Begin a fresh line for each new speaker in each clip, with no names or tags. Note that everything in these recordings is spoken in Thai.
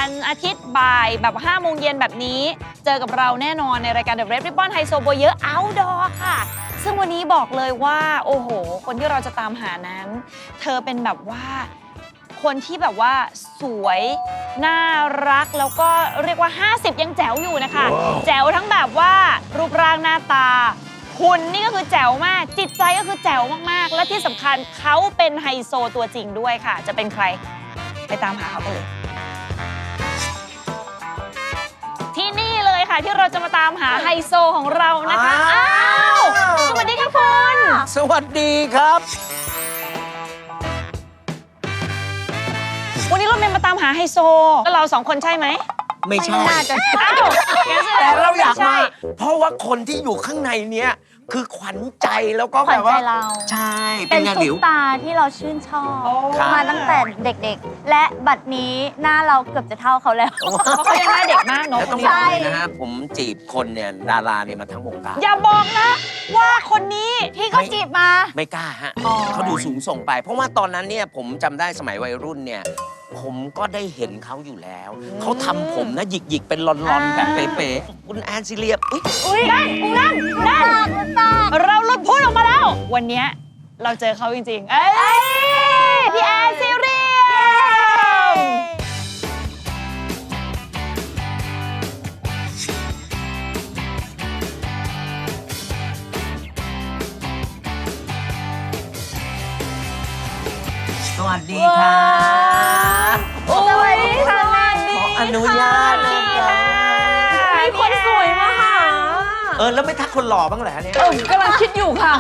วันอาทิตย์บ่ายแบบ5 โมงเย็นแบบนี้เจอกับเราแน่นอนในรายการ The Red Ribbon ไฮโซโบเยอะ Outdoor ค่ะซึ่งวันนี้บอกเลยว่าโอ้โหคนที่เราจะตามหานั้นเธอเป็นแบบว่าคนที่แบบว่าสวยน่ารักแล้วก็เรียกว่า50ยังแจ๋วอยู่นะคะ แจ๋วทั้งแบบว่ารูปร่างหน้าตาหุ่นนี่ก็คือแจ๋วมากจิตใจก็คือแจ๋วมากๆและที่สำคัญเขาเป็นไฮโซตัวจริงด้วยค่ะจะเป็นใครไปตามหาเขากันเลยที่นี่เลยค่ะที่เราจะมาตามหาไฮโซของเรานะคะอ้าวสวัสดีค่ะคุณ
สวัสดีครับ
วันนี้เราเป็นมาตามหาไฮโซแล้วเรา2 คนใช่ไหม
ไม่ใช่
น่าจะอ้าว
แต่เราอยากมาเพราะว่าคนที่อยู่ข้างในเนี้ยคือขวัญใจแล้วก็แบบว่าใช่
เป็นซุปตาที่เราชื่นชอบมาตั้งแต่เด็กๆและบัดนี้หน้าเราเกือบจะเท่าเขาแล้ว
เขายังหน้าเด็กมากเนาะ
ต้องบอกเลยนะฮะผมจีบคนเนี่ยดาราเนี่ยมาทั้งวงการ
อย่าบอกนะว่าคนนี้
ที่เขาจีบมา
ไม่กล้าฮะเขาดูสูงส่งไปเพราะว่าตอนนั้นเนี่ยผมจำได้สมัยวัยรุ่นเนี่ยผมก็ได้เห็นเขาอยู่แล้วเขาทำผมนะหยิกๆเป็นลอนๆแบบเป๊ะๆคุณแอนซิเลีย
อุ้ยนั่นเราหลุดพูดออกมาแล้ววันนี้เราเจอเขาจริงๆเอ้ยพี่แอนซิเลีย
สวัสดีค่ะ
สวัสดีค่ะ
ขออนุญาตนะคะ
มีคนสวยมาหา
แล้วไม่ทักคนหล่อบ้างเหรอเนี่ย
กำลังคิดอยู่ค่ะ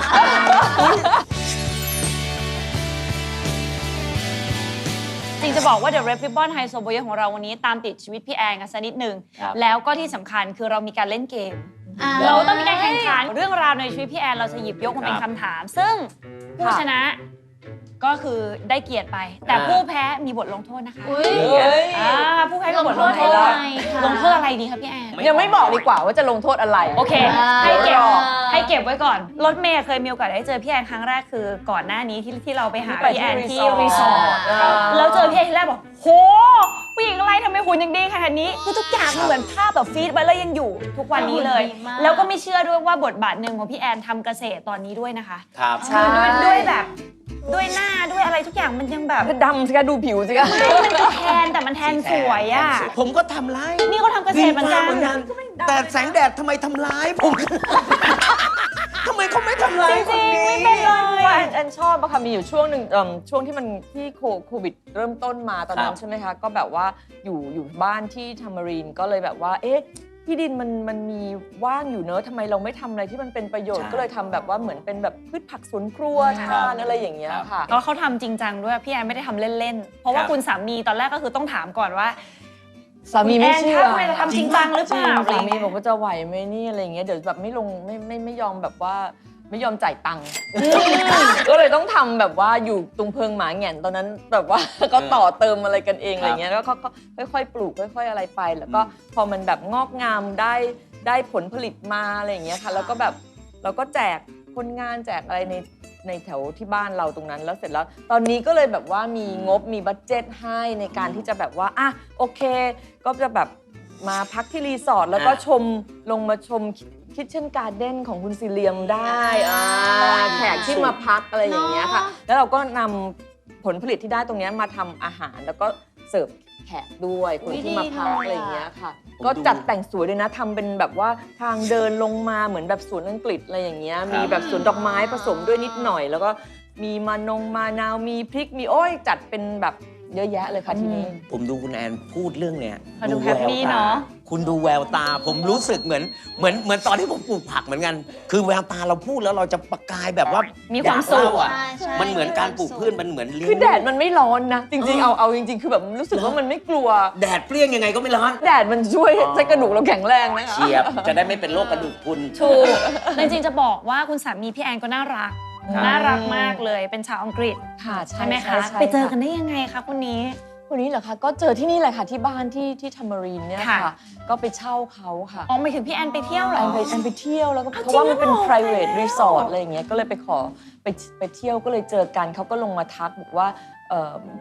จริงจะบอกว่า The Red Ribbon ไฮโซโบเยของเราวันนี้ตามติดชีวิตพี่แอนกันสักนิดนึงแล้วก็ที่สำคัญคือเรามีการเล่นเกมเราต้องมีการแข่งขันเรื่องราวในชีวิตพี่แอนเราจะหยิบยกมาเป็นคำถามซึ่งผู้ชนะก็คือได้เกียรติไปแต่ผู้แพ้มีบทลงโทษนะคะผู้แพ้มีบทลงโทษลงโทษอะไรดีครับพี่แอน
ยังไม่บอกดีกว่าว่าจะลงโทษอะไร
โอเคให้เก็บไว้ก่อนรถเมย์เคยมีโอกาสได้เจอพี่แอนครั้งแรกคือก่อนหน้านี้ที่เราไปหาพี่แอนที่รีสอร์ทแล้วเจอพี่แอนที่แรกบอกโหผู้หญิงอะไรทำไมหุ่นยังดีขนาดนี้คือทุกอย่างเหมือนภาพแบบฟีดไว้แล้วยังอยู่ทุกวันนี้เลยแล้วก็ไม่เชื่อด้วยว่าบทบาทหนึ่งของพี่แอนทำเกษตรตอนนี้ด้วยนะคะ
ครับ
คือด้วยแบบด้วยหน้าด้วยอะไรทุกอย่างมันยังแบบ
ดำสิคะดูผิวสิคะ
มันก็แทนแต่มันแทนสวยอ่ะ
ผมก็ทำร้าย
นี่เขาทำเกษตรเหมือนกัน
แต่แสงแดดทำไมทำร้ายผมทำไมเขาไม่ทำร้าย
จริงๆไม่เป็นเลย
แอนชอบอะค่ะมีอยู่ช่วงหนึ่งช่วงที่มันที่โควิดเริ่มต้นมาตอนนั้นใช่ไหมคะก็แบบว่าอยู่บ้านที่ทามารีนก็เลยแบบว่าเอ๊ะที่ดินมันมีว่างอยู่เนอะทำไมเราไม่ทำอะไรที่มันเป็นประโยชน์ก็เลยทำแบบว่าเหมือนเป็นแบบพืชผักสวนครัวทานอะไรอย่างเงี้ยค่ะ
แล้วเขาทำจริงจังด้วยพี่แอนไม่ได้ทำเล่นๆเพราะว่าคุณสามีตอนแรกก็คือต้องถามก่อนว่า
สามีไม่เชื่อ
จะทำจริงจังหรือเปล่า
สามีบอกว่าจะไหวไหมนี่อะไรเงี้ยเดี๋ยวแบบไม่ลงไม่ยอมแบบว่าไม่ยอมจ่ายตังค์ก็เลยต้องทำแบบว่าอยู่ตรงเพิงหมาแหง่นตอนนั้นแบบว่าก็ต่อเติมอะไรกันเองอะไรเงี้ยแล้วก็ค่อยๆปลูกค่อยๆอะไรไปแล้วก็พอมันแบบงอกงามได้ผลผลิตมาอะไรอย่างเงี้ยค่ะแล้วก็แบบเราก็แจกคนงานแจกอะไรในแถวที่บ้านเราตรงนั้นแล้วเสร็จแล้วตอนนี้ก็เลยแบบว่ามีงบมีบัดเจ็ตให้ในการที่จะแบบว่าอ่ะโอเคก็จะแบบมาพักที่รีสอร์ทแล้วก็ลงมาชมคิทเช่นการ์เด้นของคุณซิเลียมได้แขกที่มาพักอะไรอย่างเงี้ยค่ะแล้วเราก็นำผลผลิตที่ได้ตรงนี้มาทำอาหารแล้วก็เสิร์ฟแขกด้วยคนที่มาพักอะไรอย่างเงี้ยค่ะก็จัดแต่งสวยเลยนะทำเป็นแบบว่าทางเดินลงมาเหมือนแบบสวนอังกฤษอะไรอย่างเงี้ยมีแบบสวนดอกไม้ผสมด้วยนิดหน่อยแล้วก็มีมะนาวมีพริกมีโอ้ยจัดเป็นแบบเยอะแยะเลยค่ะทีนี้
ผมดูคุณแอนพูดเรื่องเนี้ย
ดูแฮปปี้เนาะ
คุณดูแววตาผมรู้สึกเหมือนตอนที่ผมปลูกผักเหมือนกันคือแววตาเราพูดแล้วเราจะประกายแบบว่า
มีความสุข
อ่ะมันเหมือนการปลูกพืชมันเหมือนเลี้ยง
คือแดดมันไม่ร้อนนะจริงๆเอาจริงๆคือแบบรู้สึกว่ามันไม่กลัว
แดดเปรี้ยงยังไงก็ไม่ร้อน
แดดมันช่วยให้กระดูกเราแข็งแรงนะคะ
เฉียบจะได้ไม่เป็นโรคกระดูกพรุน
ถูกจริงๆจะบอกว่าคุณสามีพี่แอนก็น่ารักมากเลยเป็นชาวอังกฤษ
ค่ะ
ใช่ไหมคะไปเจอกันได้ยังไงคะคนนี้
เหรอคะก็เจอที่นี่แหละค่ะที่บ้านที่ทามารีนเนี่ยค่ะก็ไปเช่าเขาค่ะ
อ๋อหมายถึงพี่แอนไปเที่ยวเหรอ
แอนไปเที่ยวแล้วก็เพราะว่ามันเป็น private resort อะไรอย่างเงี้ยก็เลยไปขอไปเที่ยวก็เลยเจอกันเขาก็ลงมาทักบอกว่า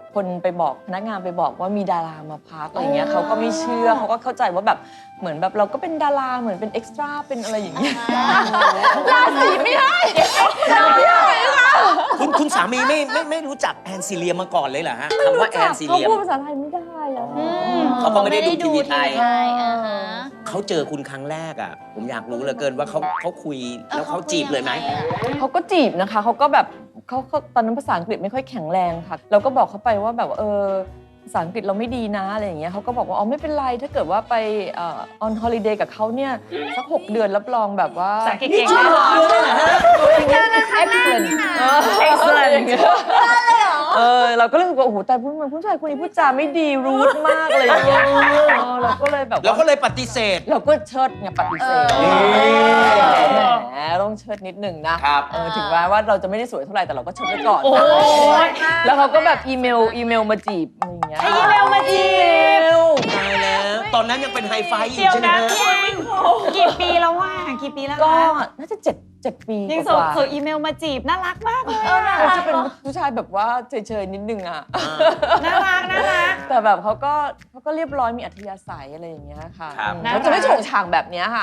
คนไปบอกพนักงานไปบอกว่ามีดารามาพักอะไรเงี้ยเขาก็ไม่เชื่อเขาก็เข้าใจว่าแบบเหมือนแบบเราก็เป็นดาราเหมือนเป็นเอ็กซ์ตร้าเป็นอะไรอย่างเงี้ยราศีไม่ได้ไม่ได้ค่ะ
คุณสามีไม่รู้จักแอนซิเลียมาก่อนเลยเหรอฮะคำว่าแอนซิ
เขา
เลีย
พูดภาษาไทยไม่ได้อะ
เขาก็ไม่ได้ดูทีวีไทย
อ่าฮะ
เขาเจอคุณครั้งแรกอ่ะผมอยากรู้เหลือเกินว่าเขาคุยแล้วเขาจีบเลยไหม
เขาก็จีบนะคะเขาก็แบบเขาตอนนั้นภาษาอังกฤษไม่ค่อยแข็งแรงค่ะเราก็บอกเขาไปว่าแบบภาษาอังกฤษเราไม่ดีนะอะไรอย่างเงี้ยเขาก็บอกว่าอ๋อไม่เป็นไรถ้าเกิดว่าไปon holiday กับเขาเนี่ยสัก6 เดือนรับรองแบบว่า
ภาษาเก่งๆแน่นอน
excellent excellent เราก็เลยรู้สึกว่าโอ้โหแต่ผู้ชายคนนี้พูดจาไม่ดีรูทมากเลยอย่างเงี้ยเราก็เลยแบบ
เราก็เลยปฏิเสธ
เราก็เชิดไงปฏิเสธแหมต้องเชิดนิดหนึ่งนะครับ ถึงแม้ว่าเราจะไม่ได้สวยเท่าไหร่แต่เราก็เชิดไว้ก่อน
โอ้ย
แล้วเขาก็แบบอีเมลมาจีบอะไรอย่างเงี้ย
ให้อีเมลมาจีบ
ตายแล้วตอนนั้นยังเป็นไฮไฟอยู่
เดี๋ยว
ใช่ไหม
นะ
ฮะ
พี่แอนกี่ปีแล้วว่ากี่ปีแล้ว
ก็
คะ
น่าจะ7 ปี
ยัง
ก
ส่ง
ว่า
อีเมลมาจีบน่ารักมากเลย
เขาจะเป็นผู้ชายแบบว่าเฉยๆนิดนึงอ่ะ
น่ารักน่ารัก
แต่แบบเขาก็เรียบร้อยมีอัธยาศัยอะไรอย่างเงี้ยค่ะ
ครับ
เขาจะไม่โฉงฉางแบบเนี้ยค่ะ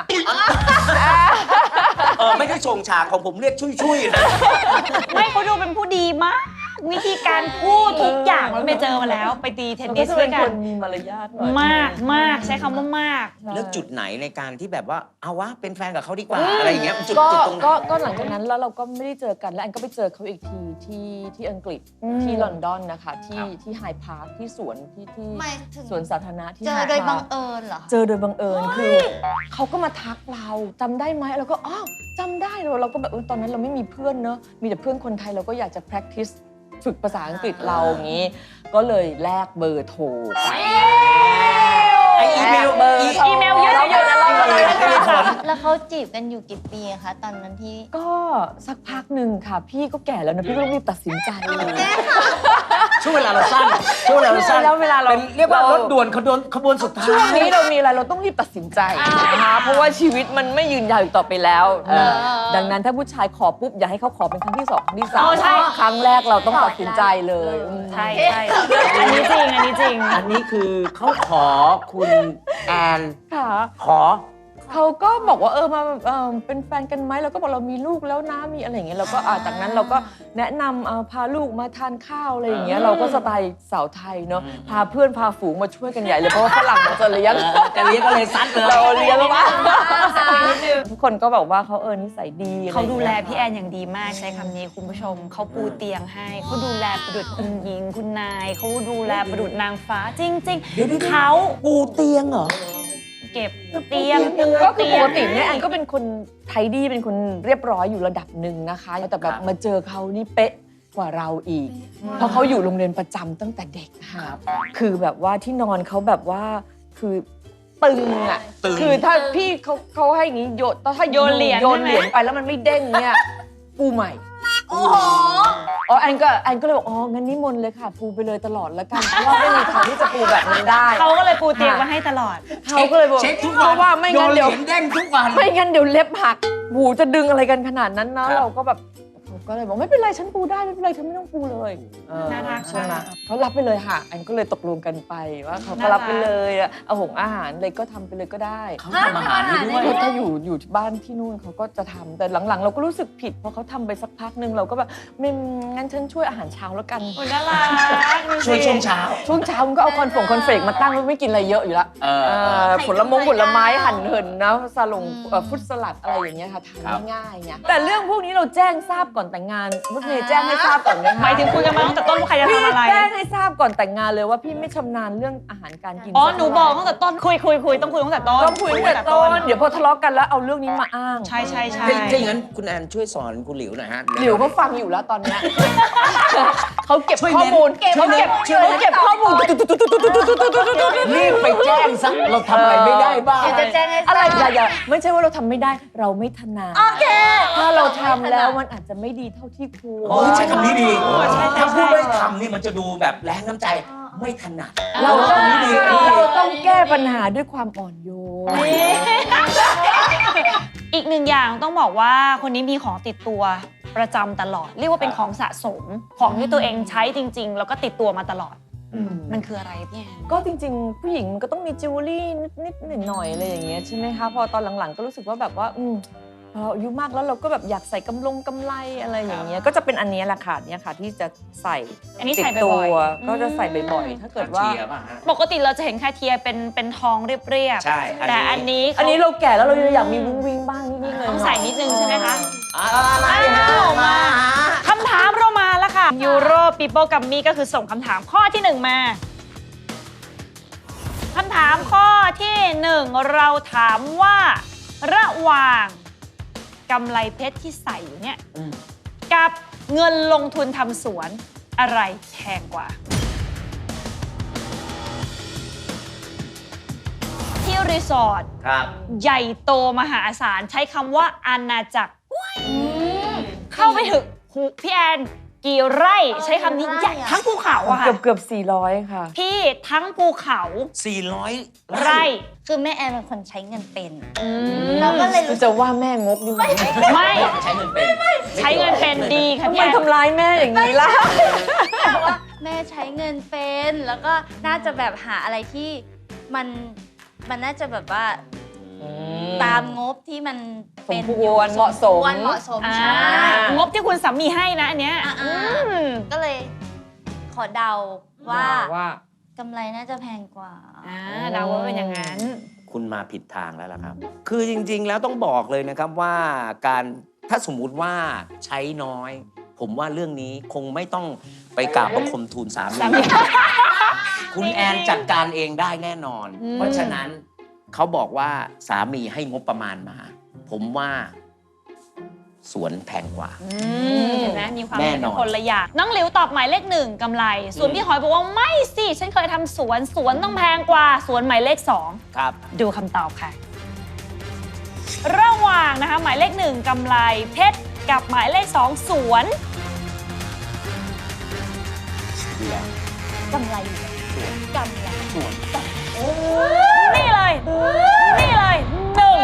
ไม่ได้ชงฉากของผมเรียกชุยๆนะ
ไม่เขาดูเป็นผู้ดีมาก วิธีการพูดทุกอย่างเราไปเจอมาแล้ว ไปตีเทนนิสด้วยกั
เขาจะเป็น นมีมารยาทหน่อย
มากมากใช้คำว่ามาก
เลือกจุดไหนในการที่แบบว่าเอาวะเป็นแฟนกับเขาดีกว่าอะไรอย่างเงี้ยจุด
ก็
ตรง
ก็หลังจากนั้นแล้วเราก็ไม่ได้เจอกันแล้วแอนก็ไปเจอเขาอีกทีที่อังกฤษที่ลอนดอนนะคะที่ไฮพาร์คที่สวนที่
หมายถึง
สวนสาธารณะที่
เจอ
Hyde
โดยบัง
Park
เอิญเหรอ
เจอโดยบังเอิญคือเขาก็มาทักเราจำได้ไหมเราก็อ๋อจำได้เราก็แบบตอนนั้นเราไม่มีเพื่อนเนอะมีแต่เพื่อนคนไทยเราก็อยากจะ practice ฝึกภาษาอังกฤษเราอย่างนี้ ก็เลยแลกเบอร์โทรไป
ไออีเมล
อีเมลเยอะๆ
แล้วเขาจีบกันอยู่กี่ปีอะคะตอนนั้นที่
ก็สักพักหนึ่งค่ะ พี่ก็แก่แล้วนะพี่ก็ต้องรีบตัดสินใจ
ช่วงเวลาเราสั้นช่วงเวลาเราสั้น
แล้วเวลาเรา
เป็นเรียกว่ารถด่วนขบวนสุดท้าย
ช่วงนี้เรามีอะไรเราต้องรีบตัดสินใจนะคะเพราะว่าชีวิตมันไม่ยืนยาวอีกต่อไปแล้วนะดังนั้นถ้าผู้ชายขอปุ๊บอย่าให้เขาขอเป็นครั้งที่สองครั้งที่สาม
อ๋อใช่
ครั้งแรกเราต้องตัดสินใจเลย
ใช่ใช่อันนี้จริงอันนี้จริง
อันนี้คือเขาขอคุณแอน
ค่ะ
ขอ
เขาก็บอกว่ามาเป็นแฟนกันไหมเราก็บอกเรามีลูกแล้วนะมีอะไรอย่างเงี้ยเราก็จากนั้นเราก็แนะนำพาลูกมาทานข้าวอะไรอย่างเงี้ยเราก็สไตล์สาวไทยเนาะพาเพื่อนพาฝูงมาช่วยกันใหญ่เลยเพราะว่าฝรั่งมันจะเลี้ยง
จะเลี้ยงก็เลยซัดเลย
เราเลี้ยงแล้วว่าทุกคนก็บอกว่าเขานิสัยดี
เขาดูแลพี่แอนอย่างดีมากใช้คำนี้คุณผู้ชมเขาปูเตียงให้เขาดูแลประดุจคุณหญิงคุณนายเขาดูแลประดุจนางฟ้าจริงๆเขา
ปูเตียงเหรอ
เก็บเตียง
ก็คือปกติเนี่ยแอนก็เป็นคนไทยดีเป็นคนเรียบร้อยอยู่ระดับหนึ่งนะคะแต่แบบมาเจอเขานี่เป๊ะกว่าเราอีก เพราะเขาอยู่โรงเรียนประจำตั้งแต่เด็กค่ะคือแบบว่าที่นอนเขาแบบว่าคือตึงอ่ะ
ตึง
คือถ้าพี่เขาให้อย่างนี้ถ้าโยนเหรียญไปแล้วมันไม่เด้งเนี่ยปูใหม่
โอ้โห
แอนก็เลยบอกงั้นนิมนต์เลยค่ะปูไปเลยตลอดแล้วกันเพราะว่าไม่มีทางที่จะปูแบบนั้นได้
เขาก็เลยปูเตียงมาให้ตลอด
เขาก็เลยบอก
เช็คทุก
เพ
วัน
ราะว่าไม่งั้นเดี๋ยว
โยนเหรียญเด้งทุกวัน
ไม่งั้นเดี๋ยวเล็บหักหูจะดึงอะไรกันขนาดนั้นนะครับ เราก็แบบเขาก็เลยบอกไม่เป็นไรฉันปูได้ไม่เป็นไรเธอไม่ต้องปูเลย
น่ารัก
ใช่ไหม
มาก
เขารับไปเลยค่ะอันก็เลยตกลงกันไปว่าเขาก็รับไปเลยเอาหงอาหารเลยก็ทำไปเลยก็ได้
เขาทำอาหารให้ด้วย
ถ้าอยู่ที่บ้านที่นู่นเขาก็จะทำแต่หลังๆ เราก็รู้สึกผิดเพราะเขาทำไปสักพักหนึ่งเราก็แบบไม่งั้นฉันช่วยอาหารเช้าแล้วกัน
โอ้ยน่ารักดูสิ
ช่วยช่วงเช้า
ช่วงเช้ามันก็เอาคอนเฟกมาตั้งไม่กินอะไรเยอะอยู่แล้ว ผลไม้หั่นเหินนะซาลงฟรุตสลัดอะไรอย่างเงี้ยค่ะทานง่ายๆเนี่ยแต่เรื่องพวกนี้เราแจ้งทราบก่อนแต่งงานรถเมย์แจ้งให้ทราบก่อนเลย
หมายถึงคุยกันมาตั้งแต่ต้นว่าใครจะ
พี่
ทำอะไร
แจ้งให้ทราบก่อนแต่งงานเลยว่าพี่ไม่ชำนาญเรื่องอาหารการกิน
อ๋อหนูบอกตั้งแต่ต้นคุยต้องคุยตั้งแต่ต้น
ต้องคุยตั้งแต่ต้นเดี๋ยวพอทะเลาะกันแล้วเอาเรื่องนี้มาอ้าง
ใช่ใช่ใช่
ถ้าอย่างนั้นคุณแอนช่วยสอนคุณหลิวหน่อยฮะ
หลิวเขาฟังอยู่แล้วตอนเนี้ยเขาเก็บ
ช่วย
ข้อ
เน้น
มูล
ช่วยเน้นช่วยเน้น
เขาเก็บข้อมูล
รีบไปแจ้งซะเราทำอะไรไม่ได้บ้าง
เดี๋ยวจะแจ้งให้ท
อะไร
ราบ
อย่าไม่ใช่ว่าเราทำไม่ได้เราไม่ถนัด
โอเค
ถ้าเราทำแล้วมันอาจจะไม่ดีเท่าที่ควร
โอ้ยใช้คำนี้ดี
ใช่
ถ้าพูดไม่ทำนี่มันจะดูแบบแรงน้ำใจไม่ถนัด
เรา
คำนี้ดี
ต้องแก้ปัญหาด้วยความอ่อนโยน
อีกหนึ่งอย่างต้องบอกว่าคนนี้มีของติดตัวประจำตลอด เรียกว่าเป็นของสะสมของที่ตัวเองใช้จริง ๆ แล้วก็ติดตัวมาตลอด มันคืออะไรพี่แอน
ก็จริงๆ ผู้หญิงมันก็ต้องมีจิวเวลรี่นิดๆหน่อยๆอะไรอย่างเงี้ยใช่ไหมคะพอตอนหลังๆ ก็รู้สึกว่าแบบว่าพอเราอายุมากแล้วเราก็แบบอยากใส่กำไรอะไรอย่างเงี้ยก็จะเป็นอันนี้แหละค่ะเนี่ยค่ะที่จะใส่
อันนี้
ติ
ใส่
ดตั
บ่อ
วย
ๆ
ก็จะใส่บ่อยๆ ถ้าเกิดว่า
เชียร์ป่ะฮะ
ปกติเราจะเห็นคาเทียเป็นทองเรียบๆ
ใช่
แต่อันนี้
อันนี้เราแก่แล้วเราอยากมีวิงวิงบ้างนิดๆเลย
ต้องใส่นิดนึงใช่ไหมคะ
มาดิฮะ
อ้าว
มา
คำถามเรามาแล้วค่ะยูโรปีโป้กัมมี่ก็คือส่งคำถามข้อที่ 1 มาคำถามข้อที่ 1 เราถามว่าระหว่างกำไรเพชรที่ใส่อยู่เนี่ยกับเงินลงทุนทำสวนอะไรแพงกว่า ที่รีสอร์ท
ครับ
ใหญ่โตมหาศาลใช้คำว่าอาณาจักรเข้าไปถึงหูพี่แอนกี่ไร่ใช้คำนี้ใหญ่ทั้งภูเขาอะค่ะ
เกือบ400 ค่ะ
พี่ทั้งภูเขา
400
ไร่
คือแม่แอนเป็นคนใช้เงินเป็น
เรา
เราก็เลยรู้สึก
จะว่าแม่งกดีไหม
ไม่
ใช้เงินเป็น
ใช้เงินเป็นดีค่ะ
ทำ
พี่
ไม
แอน
ทำร้ายแม่อย่างนี้ล่ะ
ว่าแม่ใช้เงินเป็นแล้วก็น่าจะแบบหาอะไรที่มันน่าจะแบบว่าตามงบที่มันเป็น
สมควรเหมาะสม
ควรเหมาะสม
อ่า
ใช่
งบที่คุณสามีให้นะอันเนี้ย
อ่า
อืม
ก็เลยขอเดาว่า
ว่า
กำไรน่าจะแพงกว่า
เดาว่าเป็นอย่างนั้น
คุณมาผิดทางแล้วล่ะครับ คือจริงๆ แล้วต้องบอกเลยนะครับว่าการถ้าสมมุติว่าใช้น้อย ผมว่าเรื่องนี้คงไม่ต้องไปกราบบังคมทูลสามี
สามี
คุณแอนจัดการเองได้แน่นอน
อืม
เพราะฉะนั้นเขาบอกว่าสามีให้งบประมาณมา ผมว่าสวนแพงกว่า
เห็นไหมมีความ
แน่
เป็น
นอน
คนละอย่างน้องหลิวตอบหมายเลข 1กำไร ส่วนพี่หอยบอกว่าไม่สิ ฉันเคยทำสวนต้องแพงกว่าสวนหมายเลข 2
ครับ
ดูคำตอบค่ะ ระหว่างนะคะหมายเลข 1กำไรเพชรกับหมายเลข 2 สวน
กำไรอยู่กำไร
นี่เลย นี่เลยหนึ่ง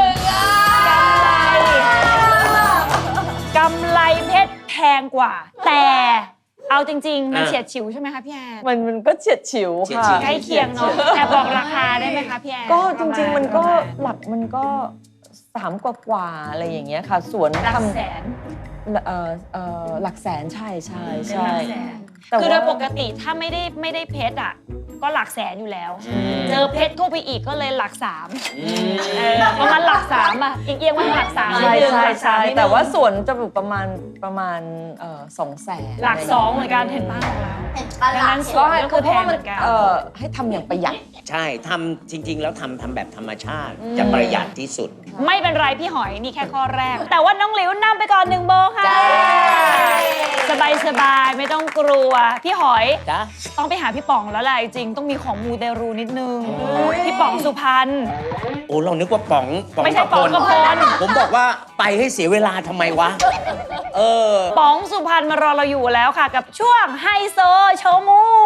กำไรเพชรแพงกว่า แต่เอาจริง ๆ มันเฉียดฉิวใช่ไหมคะพี่แอน
มันก็เฉียดฉิวค่ะ
ใกล้เคียงเนาะแต่บอกราคาได้ไหมคะพี่แอน
ก็จริงๆมันก็
ประาณ
หลักมันก็3กว่าอะไรอย่างเงี้ยค่ะสวน
หลัก
ทำ
แสน
หลักแสนใช่
เป็น
ใช่
หลักแสน
แต่
คือโด
ว่าย
ปกติถ้าไม่ได้เพชรอ่ะก็หลักแสนอยู่แล้ว เจอเพชรเข้าไปอีกก็เลยหลัก3ประมาณหลัก3อ่ะอีกเอียงมาหลัก3
ใช่
นิดนึง
ใช่
หลัก
ใช่
3นิดนึง
แต่ว่าสวนจะอยู่ประมาณ200,000
หลัก2เหมือนกันเห็นบ้างแล้ว
เห็นปะ
ดัง
ล่ะ
นั้นส
ก็
วน
ให้
ก็
คื
คือ อ
เพ
แพ
ราะ
ง
ว่า
เห
มั
มื
น
อนกัน
ให้ทำอย่างประหยัด
ใช่ทำจริง ๆ แล้วทำแบบธรรมชาติ จะประหยัดที่สุด
ไม่เป็นไรพี่หอยนี่แค่ข้อแรก แต่ว่าน้องหลิวนำไปก่อน1โบค่ะ สบายๆไม่ต้องกลัวพี่หอย
จ้ะ
ต้องไปหาพี่ป๋องแล้วแหละจริงๆต้องมีของมูเตรูนิดนึงพี่ป๋องสุพรรณ
โอ้เรานึกว่าป๋อง
ไม่ใช่ป๋องกระพล
ผมบอกว่าไปให้เสียเวลาทำไมวะ เออ
ป๋องสุพรรณมารอเราอยู่แล้วค่ะ กับช่วงไฮโซโชว์มู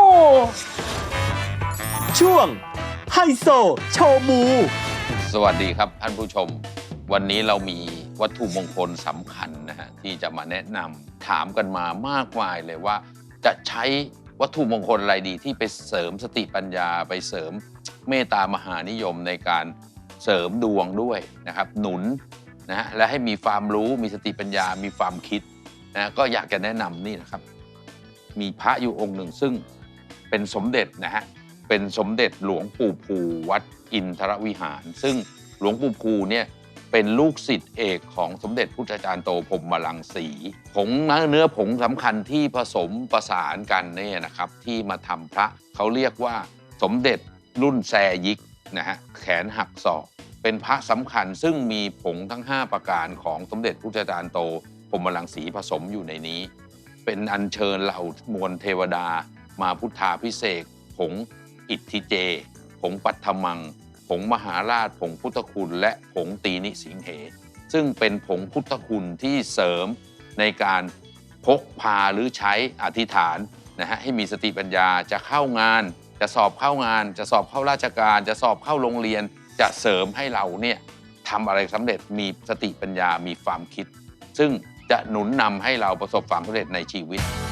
ช่วงไฮโซโชว์มู
สวัสดีครับท่านผู้ชม วันนี้เรามีวัตถุมงคลสำคัญนะฮะที่จะมาแนะนำถามกันมามากมายเลยว่า จะใช้วัตถุมงคลอะไรดีที่ไปเสริมสติปัญญาไปเสริมเมตตามหานิยมในการเสริมดวงด้วยนะครับหนุนนะฮะและให้มีความรู้มีสติปัญญามีความคิดนะก็อยากจะแนะนำนี่นะครับ มีพระอยู่องค์หนึ่งซึ่งเป็นสมเด็จนะฮะเป็นสมเด็จหลวงปู่ภูวัดอินทรวิหาร ซึ่งหลวงปู่ภูเนี่ยเป็นลูกศิษย์เอกของสมเด็จพุทธจารย์โตพรหมรังสีผงเนื้อผงสำคัญที่ผสมประสานกันเนี่ยนะครับที่มาทำพระเขาเรียกว่าสมเด็จรุ่นแซยิกนะฮะแขนหักศอกเป็นพระสำคัญซึ่งมีผงทั้ง5ประการของสมเด็จพุทธจารย์โตพรหมรังสีผสมอยู่ในนี้ เป็นอัญเชิญเหล่ามวลเทวดามาพุทธาพิเศษกผงอิทธิเจ ผงปัทธมัง ผงมหาราช ผงพุทธคุณ และผงตีนิสิงเห ซึ่งเป็นผงพุทธคุณที่เสริมในการพกพาหรือใช้อธิษฐานนะฮะให้มีสติปัญญาจะเข้างาน จะสอบเข้างาน จะสอบเข้าราชการ จะสอบเข้าโรงเรียน จะเสริมให้เราเนี่ยทำอะไรสำเร็จมีสติปัญญามีความคิด ซึ่งจะหนุนนำให้เราประสบความสำเร็จในชีวิต